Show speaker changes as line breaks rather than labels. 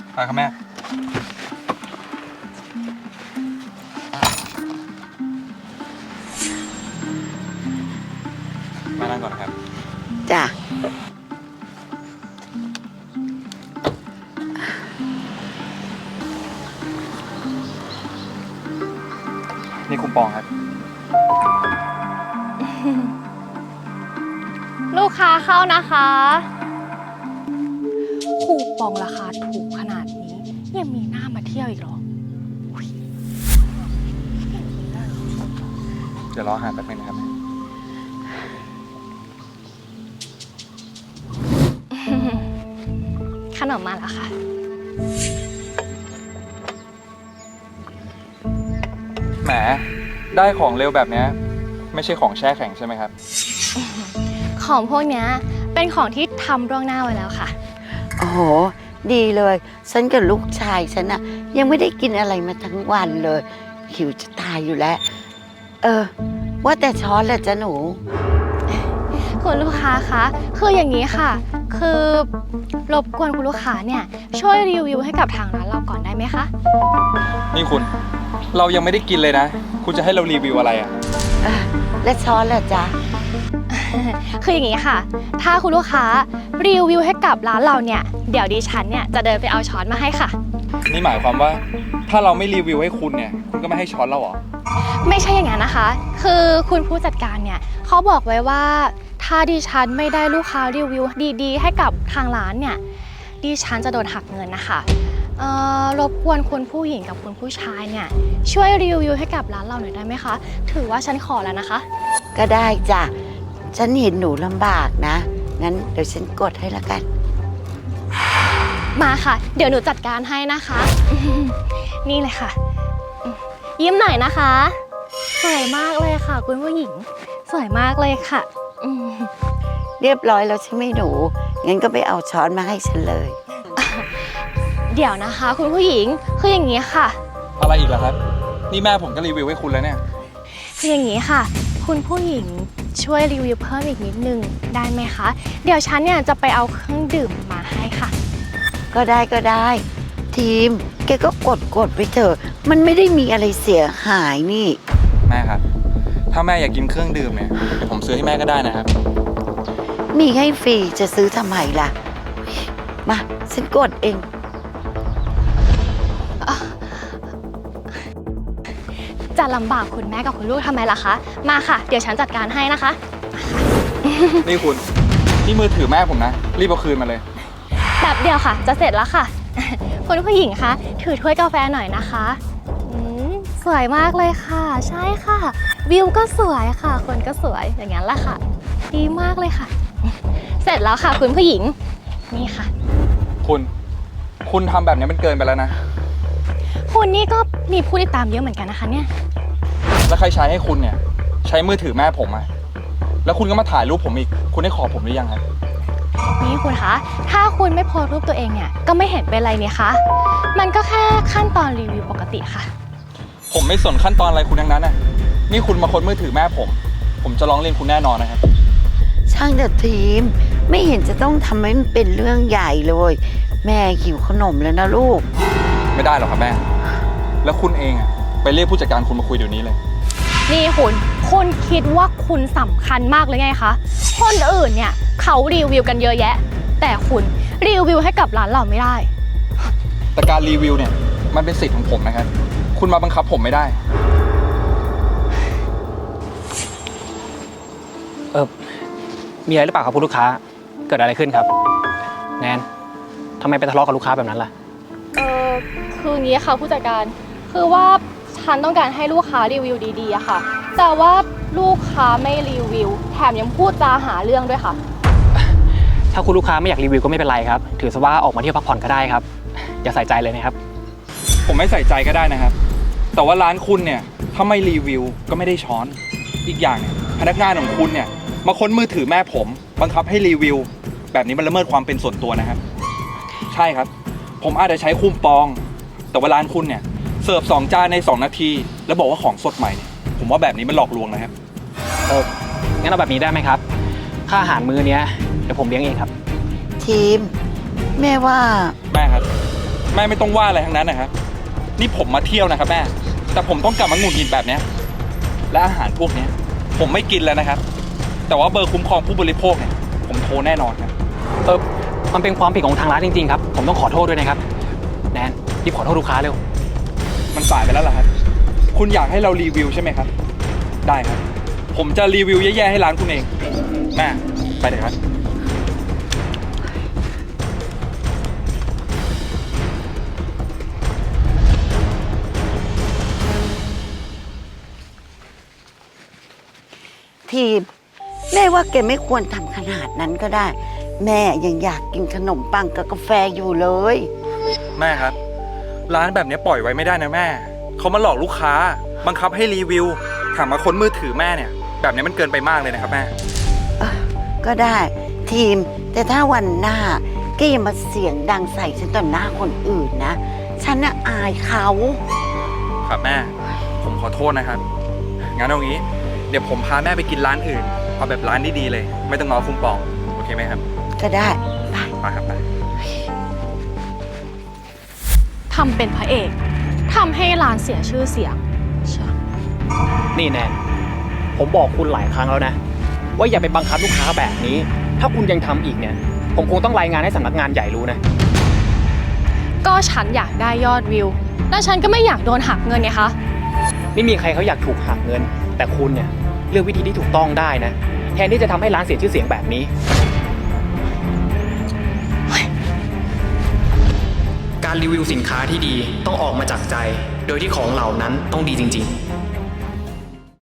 ไปครับแม่มานั่งก่อนครับ
จ้ะ
นี่คูปองครับ
ลูกค้าเข้านะคะคูปองราคาถูกขนาดนี้ยังมีหน้ามาเที่ยวอีกเหรอ
เดี๋ยวรออาหารแป๊บนึงนะครับแม่
ขนมมาแล้วค่ะ
แหมได้ของเร็วแบบนี้ไม่ใช่ของแช่แข็งใช่ไหมครับ
ของพวกเนี้ยเป็นของที่ทำล่วงหน้าไว้แล้วค่ะ
โอ้โห ดีเลย ฉันกับลูกชายฉันนะยังไม่ได้กินอะไรมาทั้งวันเลยหิวจะตายอยู่แล้ว ว่าแต่ช้อนแหละจ้ะหนู
คุณลูกค้าคะคืออย่างนี้ค่ะ คือรบกวนคุณลูกค้าเนี่ยช่วยรีวิวให้กับทางร้านเราก่อนได้ไหมคะ
นี่คุณ เรายังไม่ได้กินเลยนะ คุณจะให้เรารีวิวอะไรอ่ะ
และช้อนแหละจ๊ะ
คืออย่างนี้ค่ะ ถ้าคุณลูกค้ารีวิวให้กับร้านเราเนี่ยเดี๋ยวดิฉันเนี่ยจะเดินไปเอาช้อนมาให้ค่ะ
นี่หมายความว่าถ้าเราไม่รีวิวให้คุณเนี่ย คุณก็ไม่ให้ช้อนเราเหรอ
ไม่ใช่อย่างนั้นนะคะ คือคุณผู้จัดการเนี่ยเขาบอกไว้ว่าถ้าดิฉันไม่ได้ลูกค้ารีวิวดีๆให้กับทางร้านเนี่ยดิฉันจะโดนหักเงินนะคะรบกวนคุณผู้หญิงกับคุณผู้ชายเนี่ยช่วยรีวิวให้กับร้านเราหน่อยได้ไหมคะถือว่าฉันขอแล้วนะคะ
ก็ได้จ้ะ ฉันเห็นหนูลำบากนะ งั้นเดี๋ยวฉันกดให้ละกัน
มาค่ะ เดี๋ยวหนูจัดการให้นะคะ นี่เลยค่ะ ยิ้มหน่อยนะคะสวยมากเลยค่ะ คุณผู้หญิงสวยมากเลยค่ะอืม
เรียบร้อยแล้วใช่ไหมหนู งั้นก็ไปเอาช้อนมาให้ฉันเลย
เดี๋ยวนะคะ คุณผู้หญิงคืออย่างนี้ค่ะ
อะไรอีกล่ะครับ นี่แม่ผมก็รีวิวให้คุณแล้วเนี่ย
คืออย่างนี้ค่ะ คุณผู้หญิงช่วยรีวิวเพิ่มอีกนิดนึงได้ไหมคะ เดี๋ยวฉันเนี่ยจะไปเอาเครื่องดื่มมาให้ค่ะ
ก็ได้ก็ได้ ทีม แกก็กดไปเถอะ มันไม่ได้มีอะไรเสียหายนี่
แม่ครับ ถ้าแม่อยากกินเครื่องดื่มเนี่ยเดี๋ยวผมซื้อให้แม่ก็ได้นะครับ
มีให้ฟรีจะซื้อทำไมล่ะ มา ฉันกดเอง
จะลำบากคุณแม่กับคุณลูกทำไมล่ะคะ มาค่ะ เดี๋ยวฉันจัดการให้นะคะ
นี่คุณ นี่มือถือแม่ผมนะ รีบเอาคืนมาเลย
แบบเดียวค่ะ จะเสร็จแล้วค่ะ คุณผู้หญิงคะถือถ้วยกาแฟหน่อยนะคะสวยมากเลยค่ะ ใช่ค่ะ วิวก็สวยค่ะ คนก็สวยอย่างนั้นแหละค่ะ ดีมากเลยค่ะ เสร็จแล้วค่ะคุณผู้หญิงนี่ค่ะ
คุณทำแบบนี้มันเกินไปแล้วนะ
คุณนี่ก็มีผู้ติดตามเยอะเหมือนกันนะคะเนี่ย
แล้วใครใช้ให้คุณเนี่ย ใช้มือถือแม่ผมอะแล้วคุณก็มาถ่ายรูปผมอีก คุณได้ขอผมหรือยังครับ
นี่คุณคะ ถ้าคุณไม่โพสต์รูปตัวเองเนี่ย ก็ไม่เห็นเป็นไรเนี่ยคะ มันก็แค่ขั้นตอนรีวิวปกติค่ะ
ผมไม่สนขั้นตอนอะไรคุณทั้งนั้นน่ะ นี่คุณมาค้นมือถือแม่ผมจะร้องเรียนคุณแน่นอนนะครับ
ช่างเถอะทีม ไม่เห็นจะต้องทำให้มันเป็นเรื่องใหญ่เลย แม่หิวขนมแล้วนะลูก
ไม่ได้หรอกครับแม่ แล้วคุณเองอะไปเรียกผู้จัดการคุณมาคุยเดี๋ยวนี้เลย
นี่คุณคิดว่าคุณสำคัญมากเลยไงคะ คนอื่นเนี่ยเขารีวิวกันเยอะแยะ แต่คุณรีวิวให้กับร้านเราไม่ได้
แต่การรีวิวเนี่ยมันเป็นสิทธิ์ของผมนะครับ คุณมาบังคับผมไม่ได้
มีอะไรหรือเปล่าครับคุณลูกค้า เกิดอะไรขึ้นครับ แนนทำไมไปทะเลาะกับลูกค้าแบบนั้นล่ะ
คืออย่างนี้ค่ะผู้จัดการ คือว่าฉันต้องการให้ลูกค้ารีวิวดีๆอะค่ะ แต่ว่าลูกค้าไม่รีวิว แถมยังพูดจาหาเรื่องด้วยค่ะ
ถ้าคุณลูกค้าไม่อยากรีวิวก็ไม่เป็นไรครับ ถือซะว่าออกมาเที่ยวพักผ่อนก็ได้ครับ อย่าใส่ใจเลยนะครับ
ผมไม่ใส่ใจก็ได้นะครับ แต่ว่าร้านคุณเนี่ยถ้าไม่รีวิวก็ไม่ได้ช้อน อีกอย่างเนี่ยพนักงานของคุณเนี่ยมาค้นมือถือแม่ผมบังคับให้รีวิว แบบนี้มันละเมิดความเป็นส่วนตัวนะครับ ใช่ครับ ผมอาจจะใช้คูปอง แต่ว่าร้านคุณเนี่ยเสิร์ฟ2 จานใน2 นาที แล้วบอกว่าของสดใหม่เนี่ยผมว่าแบบนี้มันหลอกลวงนะครับ
งั้นเอาแบบนี้ได้ไหมครับ ค่าอาหารมื้อเนี้ยเดี๋ยวผมเลี้ยงเองครับ
ทีม แม่ว่า
แม่ครับ ผแม่ไม่ต้องว่าอะไรทั้งนั้นนะครับ นี่ผมมาเที่ยวนะครับแม่ แต่ผมต้องกลับมาหงุดหงิดแบบเนี้ยและอาหารพวกเนี้ยผมไม่กินแล้วนะครับ แต่ว่าเบอร์คุ้มครองผู้บริโภคเนี่ยผมโทรแน่นอนครับ
มันเป็นความผิดของทางร้านจริงๆครับ ผมต้องขอโทษด้วยนะครับ แนนรีบขอโทษลูกค้าเร็ว
มันสายไปแล้วเหรอครับ คุณอยากให้เรารีวิวใช่ไหมครับ ได้ครับ ผมจะรีวิวแย่ๆให้ร้านคุณเอง แม่ ไปเลยครับ
ทีมแม่ว่าแกไม่ควรทำขนาดนั้นก็ได้ แม่ยังอยากกินขนมปังกับกาแฟอยู่เลย
แม่ครับ ร้านแบบนี้ปล่อยไว้ไม่ได้นะแม่ เขามาหลอกลูกค้า บังคับให้รีวิวถามมาค้นมือถือแม่เนี่ย แบบนี้มันเกินไปมากเลยนะครับแม่
ก็ได้ทีม แต่ถ้าวันหน้าแกอย่ามาเสียงดังใส่ฉันต่อหน้าคนอื่นนะ ฉันน่ะอายเขา
ครับแม่ ผมขอโทษนะครับ งั้นเอางี้ เดี๋ยวผมพาแม่ไปกินร้านอื่น เอาแบบร้านดีๆเลย ไม่ต้องง้อคุ้มปอง โอเคไหมครับ
ก็ได้ไป
ไปครับไป
ทำเป็นพระเอกทำให้ร้านเสียชื่อเสียง
นี่แนนผมบอกคุณหลายครั้งแล้วนะ ว่าอย่าไปบังคับลูกค้าแบบนี้ ถ้าคุณยังทำอีกเนี่ย ผมคงต้องรายงานให้สำนักงานใหญ่รู้นะ
ก็ฉันอยากได้ยอดวิว และฉันก็ไม่อยากโดนหักเงินไงคะ
ไม่มีใครเขาอยากถูกหักเงิน แต่คุณเนี่ยเลือกวิธีที่ถูกต้องได้นะ แทนที่จะทำให้ร้านเสียชื่อเสียงแบบนี้ การรีวิวสินค้าที่ดีต้องออกมาจากใจ โดยที่ของเหล่านั้นต้องดีจริงๆ